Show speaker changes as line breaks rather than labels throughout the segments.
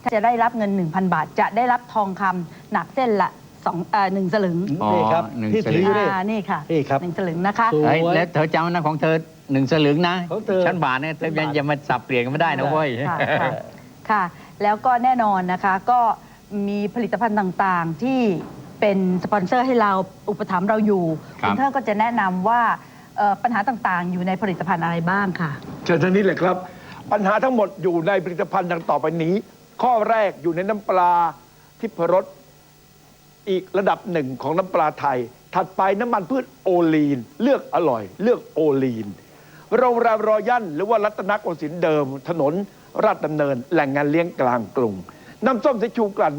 จะได้รับเงิน 1,000 บาทจะได้รับทองคำหนักเส้นละ1 สลึง
นี่ครับที่ถืออยู่
นี่ค่ะ
นี่ครับ
1 สลึงนะคะ
แล้วเธอจำนะของเธอ1 สลึงนะชั้นบาทเนี่ยเธอยังมาสับเปลี่ยนกันไม่ได้นะเว้ย
ค่ะแล้วก็แน่นอนนะคะก็มีผลิตภัณฑ์ต่างๆที่เป็นสปอนเซอร์ให้เราอุปถัมภ์เราอยู่คุณเธอก็จะแนะนำว่าปัญหาต่างๆอยู่ในผลิตภัณฑ์อะไรบ้างค่ะ
เชิญทางนี้เลยครับปัญหาทั้งหมดอยู่ในผลิตภัณฑ์ดังต่อไปนี้ข้อแรกอยู่ในน้ำปลาทิพรสอีกระดับหนึ่งของน้ำปลาไทยถัดไปน้ำมันพืชโอลีนเลือกอร่อยเลือกโอลีนโรงแรมรอยัลหรือว่ารัตนโกสินทร์เดิมถนนราชดำเนินแหล่งงานเลี้ยงกลางกรุงน้ำส้มสายชูกลั่น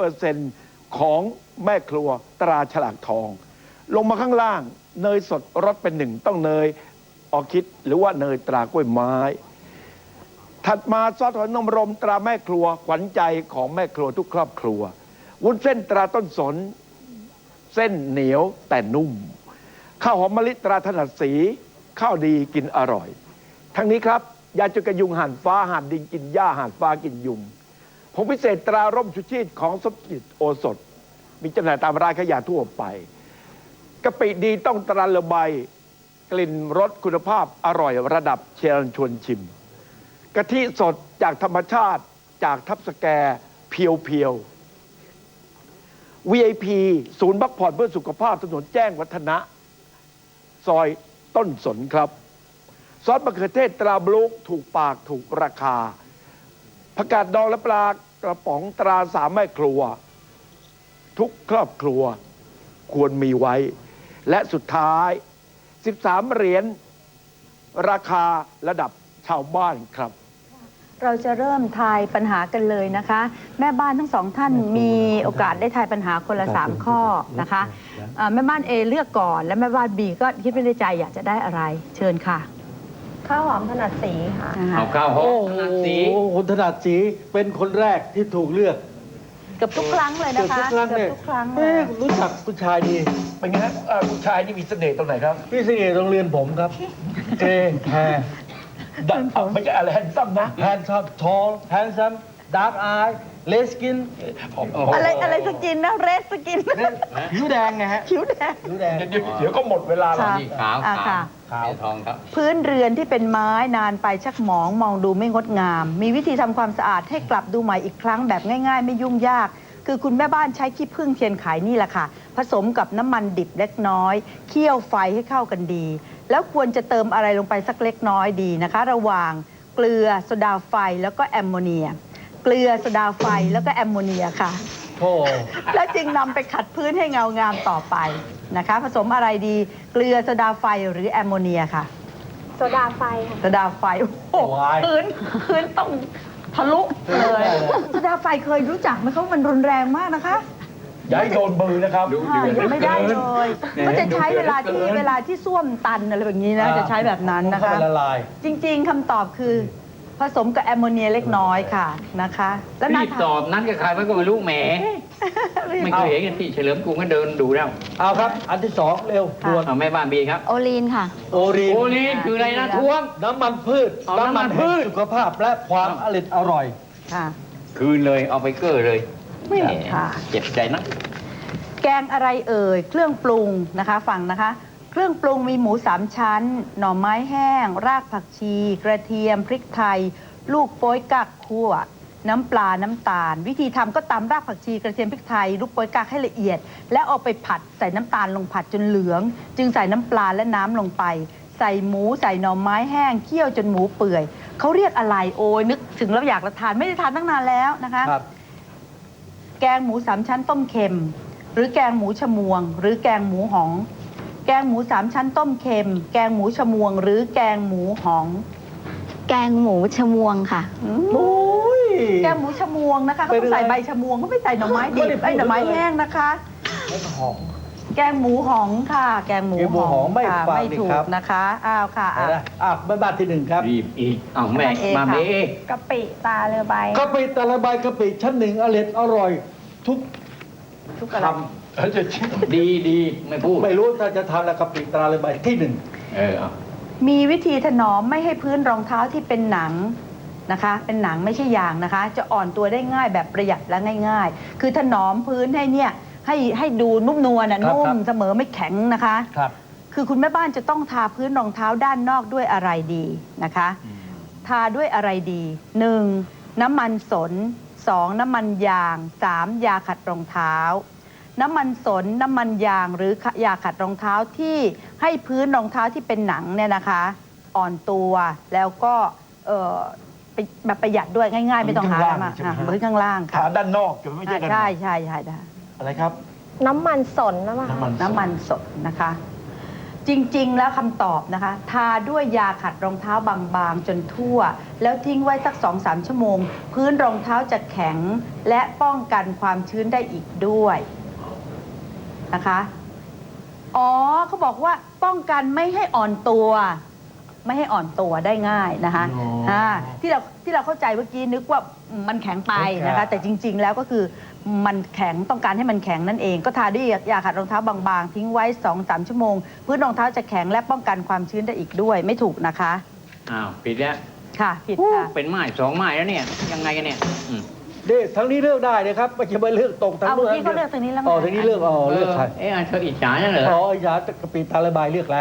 100%ของแม่ครัวตราฉลากทองลงมาข้างล่างเนยสดรสเป็น1ต้องเนยออคิดหรือว่าเนยตรากล้วยไม้ถัดมาซอสหอยนางรมตราแม่ครัวขวัญใจของแม่ครัวทุกครอบครัววุ้นเส้นตราต้นสนเส้นเหนียวแต่นุ่มข้าวหอมมะลิตราถนัดสีข้าวดีกินอร่อยทั้งนี้ครับยาจุกยุงห่านฟ้าห่านดินกินหญ้าห่านฟ้ากินยุงผงพิเศษตราร่มชุชีตของสมจิตโอสถมีจำหน่ายตามร้านขายยาทั่วไปกะปิดีต้องตราเลใบกลิ่นรสคุณภาพอร่อยระดับเชิญชวนชิมกะทิสดจากธรรมชาติจากทับสแกเพียวๆ VIP ศูนย์พักผ่อนเพื่อสุขภาพถนนแจ้งวัฒนะซอยต้นสนครับซอสมะเขือเทศตราบลูกถูกปากถูกราคาผักกาดดองและปลากระป๋องตราสามแม่ครัวทุกครอบครัวควรมีไว้และสุดท้าย13 เหรียญราคาระดับชาวบ้านครับ
เราจะเริ่มทายปัญหากันเลยนะคะแม่บ้านทั้ง2ท่านมีโอกาสได้ทายปัญหาคนละ3 ข้อนะคะแม่บ้าน A เลือกก่อนและแม่บ้าน B ก็คิดไปในใจอยากจะได้อะไรเชิญค่ะ
ข้าวหอมถนัดสีค่ะ
เอาข้าวหอมถนัดสี
คุณถนัดสีเป็นคนแรกที่ถูกเลือก
เกือบทุกครั้งเลยนะคะ
เกือบทุกครั้งรู้จักผู้ชายดี
เป็นไงฮะผู้ชายนี่มีเสน่ห์ตรงไหนครับ
มีเสน่ห์โรงเรียนผมครับเกย์แฮร์
ไม่ใช่อะไรแฮนซัมนะ
แฮนซัมทอลแฮนซัมดาร์กอายเลสกิน
อะไรสกินนะเรสสกิน
ผิวแดงไงฮะ
ผิวแดง
เดี๋ยวก็หมดเวลาแล้ว
ขาวทองครับ
พื้นเรือนที่เป็นไม้นานไปชักหมองมองดูไม่งดงามมีวิธีทำความสะอาดให้กลับดูใหม่อีกครั้งแบบง่ายๆไม่ยุ่งยากคือคุณแม่บ้านใช้ขี้ผึ้งเทียนไขนี่แหละค่ะผสมกับน้ำมันดิบเล็กน้อยเคี่ยวไฟให้เข้ากันดีแล้วควรจะเติมอะไรลงไปสักเล็กน้อยดีนะคะระหว่างเกลือโซดาไฟแล้วก็แอมโมเนียเกลือโซดาไฟแล้วก็แอมโมเนียค่ะแล้วจึงนำไปขัดพื้นให้เงางามต่อไปนะคะผสมอะไรดีเกลือโซดาไฟหรือแอมโมเนียค่ะ
โซดาไฟค่ะ
โซดาไฟโอ้พื้นต้องทะลุเลยโซดาไฟเคยรู้จักไหมเขามันรุนแรงมากนะคะ
ย้ายโดนมือนะครับ
ไม่ได้เลยก็จะใช้เวลาที่ส้วมตันอะไรแบบนี้นะจะใช้แบบนั้นนะคะจริงๆคำตอบคือผสมกับแอมโมเนียเล็กน้อยค่ะนะคะ
แล้วรีบตอบนั้นกับใครไม่ก็ไม่รู้แหมไม่เคยเห็นที่เฉลิมกรุงก็เดินดูแล้ว
เอาครับอันที่2เร็วด่วน
เอาแม่บ้านบีครับ
โอลีนค่ะ
โอลี
นคืออะไรนะท้วง
น้ำมันพืชสุขภาพและความอร่อย
ค่ะ
คืนเลยเอาไปเกอร์เลย
ไม่ค่ะ
เจ็บใจนะ
แกงอะไรเอ่ยเครื่องปรุงนะคะฟังนะคะเครื่องปรุงมีหมู3 ชั้นหน่อไม้แห้งรากผักชีกระเทียมพริกไทยลูกโป๊ยกักคั่วน้ำปลาน้ำตาลวิธีทำก็ตำรากผักชีกระเทียมพริกไทยลูกโป๊ยกักให้ละเอียดแล้วเอาไปผัดใส่น้ำตาลลงผัดจนเหลืองจึงใส่น้ำปลาและน้ำลงไปใส่หมูใส่หน่อไม้แห้งเคี่ยวจนหมูเปื่อยเขาเรียกอะไรโอ้ยนึกถึงแล้วอยากทานไม่ได้ทานตั้งนานแล้วนะคะแกงหมู3 ชั้นต้มเค็มหรือแกงหมูชมวงหรือแกงหมูหองแกงหมู3 ชั้นต้มเค็มแกงหมูชมวงหรือแกงหมูหอง
แกงหมูชมวงค่ะ
แกงหมูชมวงนะคะเขาใส่ใบชมวงเขาไม่ใส่หน่อไม้ดิบหน่อไม้แห้งนะคะแกงหมูหองค่ะแกงหมูหองไม่ถูกนะคะอ้าวค่ะ
แม่บ้านที่1ครับ
รีบอีกเอาแม่มาเม
กะปิตาเรือใบ
กะปิตาเรือใบกะปิชั้น1อร่อยทุก
ค
ำดีไม่พูด
ไม่รู้ถ้าจะทำแล้วกะปิตาเรือใบที่1
มีวิธีถนอมไม่ให้พื้นรองเท้าที่เป็นหนังนะคะ เป็นหนังไม่ใช่ยางนะคะ จะอ่อนตัวได้ง่ายแบบประหยัดและง่าย ๆ คือถนอมพื้นให้เนี่ยให้ดูนุ่มนวลนะนุ่มเสมอไม่แข็งนะคะ
ครับ
คือคุณแม่บ้านจะต้องทาพื้นรองเท้าด้านนอกด้วยอะไรดีนะคะ ทาด้วยอะไรดี 1. น้ำมันสน 2. น้ำมันยาง 3. ยาขัดรองเท้า น้ำมันสน น้ำมันยางหรือยาขัดรองเท้าที่ให้พื้นรองเท้าที่เป็นหนังเนี่ยนะคะ อ่อนตัวแล้วก็แบบประหยัดด้วยง่ายๆ ไม่ต้องหาอะไรมากพื้นข้างล่างค่ะ
ขาด้านนอกจะไม่ใช่ด้านใน
ใช่
อะไรครับ
น้ำมันสนนะมั้ง
น้ำมันสดนะคะ จริงๆ แล้วคำตอบนะคะ ทาด้วยยาขัดรองเท้าบางๆ จนทั่ว แล้วทิ้งไว้สัก 2-3 ชั่วโมง พื้นรองเท้าจะแข็งและป้องกันความชื้นได้อีกด้วยนะคะอ๋อเขาบอกว่าป้องกันไม่ให้อ่อนตัว ไม่ให้อ่อนตัวได้ง่ายนะคะที่เราเข้าใจเมื่อกี้นึกว่ามันแข็งไปนะคะ แต่จริง ๆ แล้วก็คือมันแข็งต้องการให้มันแข็งนั่นเอง ก็ทาด้วยยาขัดรองเท้าบางๆ ทิ้งไว้ 2-3 ชั่วโมงพื้นรองเท้าจะแข็งและป้องกันความชื้นได้อีกด้วยไม่ถูกนะคะ
อ้าวผิดแล้ว
ค่ะผิดค่ะ
เป็นไม้2 ไม้แล้วเนี่ยยังไงกันเนี่ย
เด็ทั้งนี้เลือกได้นะครับไม่ใช่ไปเลือกตรงทั้ง
เอาเมื่อกี้เขาเลือกตรงนี้แล้วไง
อ๋อทางนี้เลือกเลือกใคร
เธออิจฉาเนี่ยเหรอ
อ๋อไอ้ยากะปิตาละบายเลือกแล้ว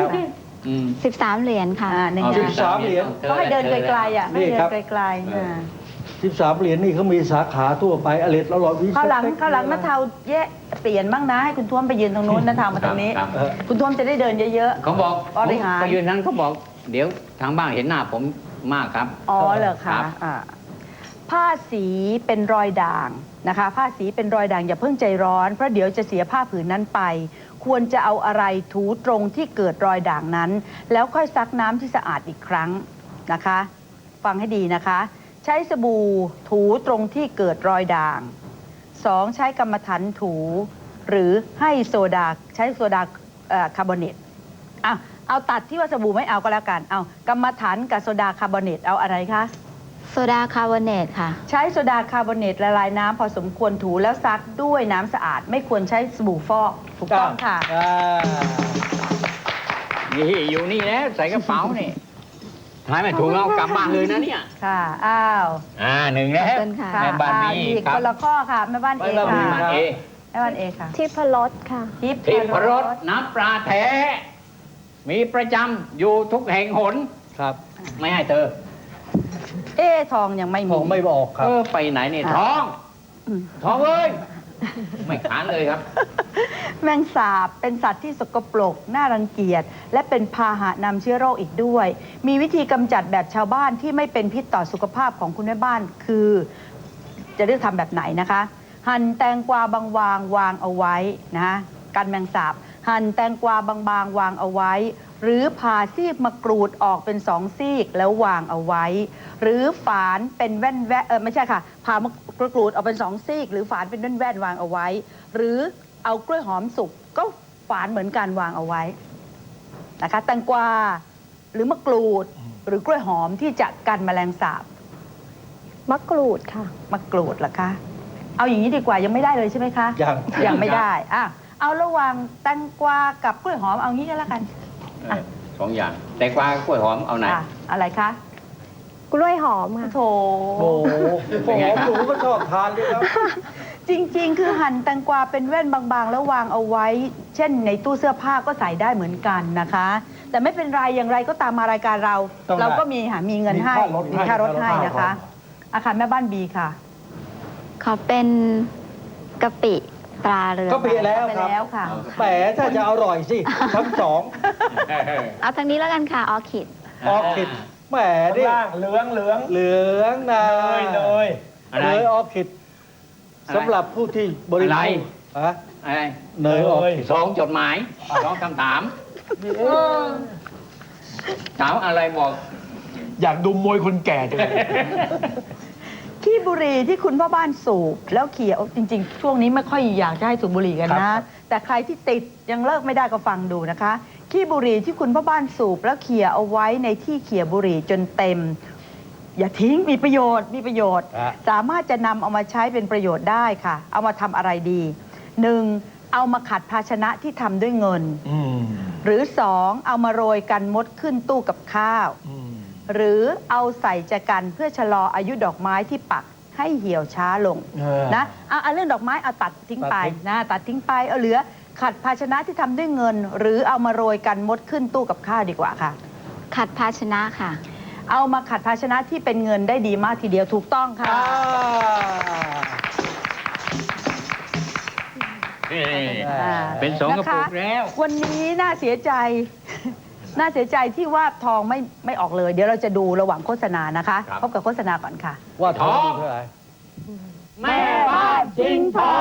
13 เหรียญค่ะ
หนึ่ง
เอา
นะ
13 เหรียญ
เขาให้เดินไกลๆอ่ะให้
นี่
เดิ
ครั
น
บ
ไกลๆอ่า
13 เหรียญนี่เขามีสาขาทั่วไปอร่อยวิ
ข้าวหลังนาเทาแยะเปลี่ยนบ้างนะให้คุณท้วมไปยืนตรงนู้นนาเทามาตรงนี้
ครับ
คุณท้วมจะได้เดินเยอะ
เขาบอก
บริหาร
ไปยืนนั้นเขาบอก เดี๋ยวทางบ้านเห็นหน้าผมมากครับ
ๆอ๋อเหรอ
ครั
คะ
บ
ผ้าสีเป็นรอยด่างนะคะ ผ้าสีเป็นรอยด่างอย่าเพิ่งใจร้อนเพราะเดี๋ยวจะเสียผ้าผืนนั้นไป ควรจะเอาอะไรถูตรงที่เกิดรอยด่างนั้น แล้วค่อยซักน้ำที่สะอาดอีกครั้งนะคะ ฟังให้ดีนะคะ ใช้สบู่ถูตรงที่เกิดรอยด่าง 2. ใช้กรรมฐานถูหรือให้โซดาใช้โซดาคาร์บอเนตเอาตัดที่ว่าสบู่ไม่เอาก็แล้วกันเอากรรมฐานกับโซดาคาร์บอเนตเอาอะไรคะ
โซดาคาร์บอเนตค่ะ
ใช้โซดาคาร์บอเนตละลายน้ำพอสมควรถูแล้วซักด้วยน้ำสะอาด ไม่ควรใช้สบู่ฟอกถูกต้องค่ะ
นี่อยู่นี่แล้วใส่กระเป๋านี่ท้ายไม่ถูกแล้วกลับบ้านเลยนะเนี่ย
ค่ะอ้าว
1 แล้ว
ขอบคุณค่ะ
แม่บ้าน
อ้าว
นี้
อีก
ครั
ค
บ
นละข้อค่ะแม่บ้านเอ
แม่บ้าน
ค่ะ
B ครับ
เอ
แม่บ้านเอค่ะ
ที่พรสค่ะ
ทิพ
ทิพ
ย์
รสน้ำปลาแท้ มีประจำอยู่ทุกแห่งหน
ครับ
ไม่ให้เธอ
ทองยังไม่
ผ
มี
มไม่บอกครับ
ไปไหนเนี่ย
ค่ะ
ท้อง
อืม
ท้องเอ้ย ไม่ขานเลยครับ
แมงสาบเป็นสัตว์ที่สกปรกน่ารังเกียจและเป็นพาหะนำเชื้อโรคอีกด้วย มีวิธีกำจัดแบบชาวบ้านที่ไม่เป็นพิษต่อสุขภาพของคุณแม่บ้านคือ จะเลือกทำแบบไหนนะคะ หั่นแตงกวาบางๆวางเอาไว้นะคะกันแมงสาบ หั่นแตงกวาบางๆวางเอาไว้ หรือผ่าซีกมะกรูดออกเป็น2 ซีกแล้ววางเอาไว้ หรือฝานเป็นแว่นไม่ใช่ค่ะผ่ามะกรูดออกเป็น2 ซีกหรือฝานเป็นแว่นๆวางเอาไว้ หรือเอากล้วยหอมสุกก็ฝานเหมือนกันวางเอาไว้นะคะแตงกวาหรือมะกรูดหรือกล้วยหอมที่จะกันแมลงสาบ
มะกรูดค่ะ
มะกรูดเหรอคะ เอาอย่างนี้ดีกว่ายังไม่ได้เลยใช่ไหมคะ ยังไม่ได้เอาระหว่างแตงกวากับกล้วยหอมเอางี้ก็แล้วกัน
2 อย่าง แต่กวากล้วยหอมเอาไหน
อะไรคะ
กล้วยหอมค่ะ
โถ
โอ้โห
เป็นไงครับ
หนูก็ชอบทานด้วยครับ
จริง ๆ คือหั่นแตงกวาเป็นแว่นบางๆ แล้ววางเอาไว้ เช่นในตู้เสื้อผ้าก็ใส่ได้เหมือนกันนะคะ แต่ไม่เป็นไรอย่างไรก็ตามมารายการเรา
ต้องได้
เราก็มีเงินให้
มีค่ารถให้
มีค่ารถให้นะคะอาคารแม่บ้านบีค่ะ
ขอเป็นกะปิตราเรือ
ก็เปลี่ยนแล้ว
ไป
ครับ
แล้วค่ะ
แหมถ้าจะอร่อยสิทั้ง
เอาทางนี้แล้วกันค่ะ ออคิด
2 ออคิดแหมดิ
เหลืองเหลือง
เหลืองนะ
เนย
อะไร
เนยออคิดสำหรับผู้ที่บริโภ
อะไร
คฮะ
อะไร
เนยออคิด
2 จดหมาย 2 คำถามถามอะไรบอก
อยากดูมวยคนแก่จังเลย
ขี้บุหรี่ที่คุณพ่อบ้านสูบแล้วเขี่ยจริง ๆ ช่วงนี้ไม่ค่อยอยากจะให้สูบบุหรี่กัน
ครั
นะ
บ
แต่ใครที่ติดยังเลิกไม่ได้ก็ฟังดูนะคะขี้บุหรี่ที่คุณพ่อบ้านสูบแล้วเขี่ยเอาไว้ในที่เขี่ยบุหรี่จนเต็ม อย่าทิ้งมีประโยชน์สามารถจะนำเอามาใช้เป็นประโยชน์ได้ค่ะ เอามาทำอะไรดี 1. เอามาขัดภาชนะที่ทำด้วยเงิน หรือ 2. เอามาโรยกันมดขึ้นตู้กับข้าวหรือเอาใส่แจกันเพื่อชะลออายุดอกไม้ที่ปักให้เหี่ยวช้าลงนะเอาเรื่องดอกไม้เอาตัดทิ้งไปนะตัดทิ้งไปเอาเหลือขัดภาชนะที่ทำด้วยเงิน หรือเอามาโรยกันมดขึ้นตู้กับข้าวดีกว่าค่ะ
ขัดภาชนะค่ะ
เอามาขัดภาชนะที่เป็นเงินได้ดีมากทีเดียวถูกต้องค่ะ
เป็นสองกระปุกแล้ว
วันนี้น่าเสียใจ น่าเสียใจที่ว่าทองไม่ออกเลย เดี๋ยวเราจะดูระหว่างโฆษณานะคะ
ครับ
พบกับโฆษณาก่อนค่ะ
ว่าทองเท่าไหร่
แม่บ้านจริงทอง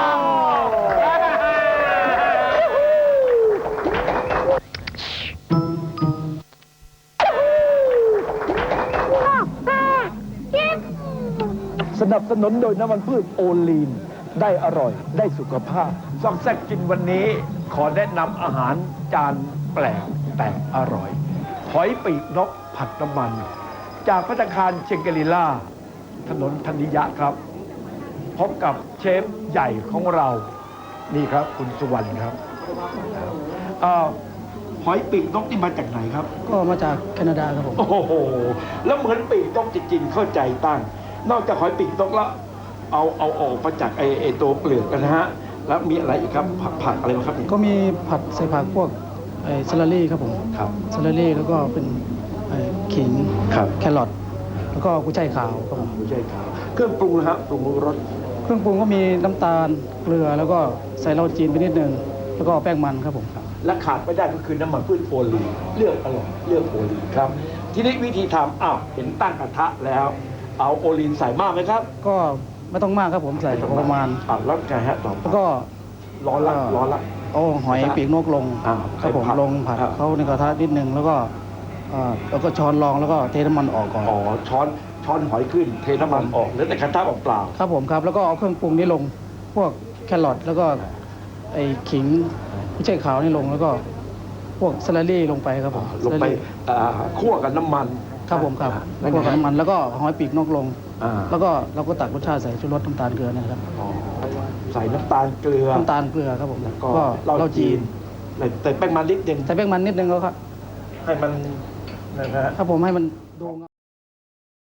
สนับสนุนโดยน้ำมันพืชโอลีน ได้อร่อยได้สุขภาพซอกแซกกินวันนี้ขอแนะนำอาหารจานแปลกแต่อร่อยหอยปีกนกผัดน้ำมัน จากภัตตาคารเชงเกลิล่า ถนนธนิยะครับ พบกับเชฟใหญ่ของเรา นี่ครับคุณสุวรรณครับหอยปีกนกนี่มาจากไหนครับ
ก็มาจากแคนาดาครับผม
โอ้โห แล้วเหมือนปีกนกจริงๆเข้าใจตั้ง นอกจากหอยปีกนกแล้ว เอาออกมาจากไอ้ตัวเปลือกกันนะฮะ แล้วมีอะไรอีกครับ ผักอะไรบ้างครับ
ก็มีผัดใส่ผักพวกสลัดรี่ครับผม
ครับ
สลัดรี่แล้วก็เป็นขิง
ครับ
แครอทแล้วก็กุ้ยช่ายขาวครับผม
ไม่ใช่ครับเครื่องปรุงนะฮะปรุงรส
เครื่องปรุงก็มีน้ำตาลเกลือแล้วก็ใส่เหล้าจีนไปนิดนึงแล้วก็แป้งมันครับผม
และขาดไม่ได้ก็คือน้ำมันพืชโอลีนเลือกอร่อยเลือกโอลีนครับ ทีนี้วิธีทำเห็นตั้งกระทะแล้ว เอาโอลีนใส่มากไหมครับ
ก็ไม่ต้องมากครับผมใส่ประมาณ
แล้วไงฮะต่อ
แล้วก็
ร้อนละ
เอาหอยปีกนกลง ครับผม
ใส่ผัด
ลงผัด
ครับ
เขาในกระทะนิดนึงแล้วก็ช้อนรองแล้วก็เทน้ำมันออกก่อน
ช้อนหอยขึ้นเทน้ำมันออกเหลือแต่กระทะเปล่า
ครับผมครับแล้วก็เอาเครื่องปรุงนี้ลงพวกแครอทแล้วก็ไอ้ขิงไม่ใช่ขาวนี่ลงแล้วก็พวกสลัดรี่ลงไปครับผม
ลงไป
สลัดรี่
คั่วกับน้ำมัน
ครับผมครับ
แล้ว
พวก
ไง
น้ำมันแล้วก็หอยปีกนกลง
อ่า
แล้วก็เราก็ตักรสชาติใส่ชูรสน้ำตาลเกลือนะครับ
ใส่น้ำตาลเกลือ
น้ำตาลเกลือครับผม
แล้วก็
ก็
เหล้า
เหล้า
จี
จี
น
น
ใส่แป้งมันนิดนึง
ใส่แป้งมันนิดนึงแล้วครับ
ให้มันนะฮะ
ครับผมให้มันดู